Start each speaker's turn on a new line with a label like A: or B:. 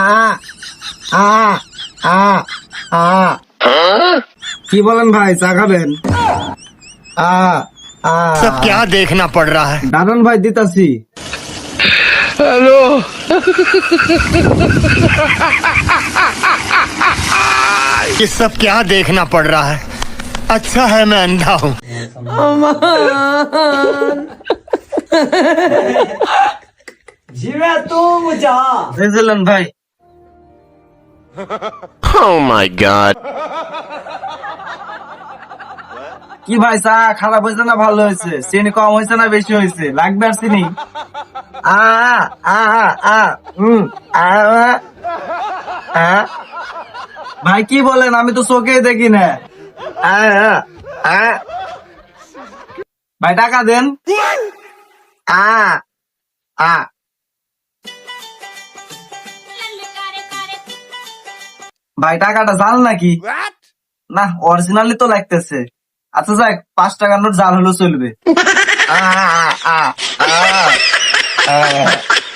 A: কি বলেন ভাই, চা খাবেন?
B: सब क्या देखना पड़ रहा है।
A: দারুন ভাই, দিতাছি।
B: हेलो ये सब क्या देखना पड़ रहा है। अच्छा है मैं अंधा हूँ।
A: বুঝলেন ভাই?
B: Oh my God।
A: কি ভাই, চা খারাপ হয়েছে না ভালো হয়েছে? চিনি কম হয়েছে না বেশি হয়েছে? লাগবে আর চিনি? আ আ আ হুম আ আ ভাই কি বলেন? আমি তো চোখেই দেখি না। আ আ ভাই টাকা দেন। আ আ ভাই টাকাটা জাল নাকি? না, অরিজিনালি তো লাগতেছে। আচ্ছা যাক, 5 টাকার নোট জাল হলেও চলবে। আ আ আ আ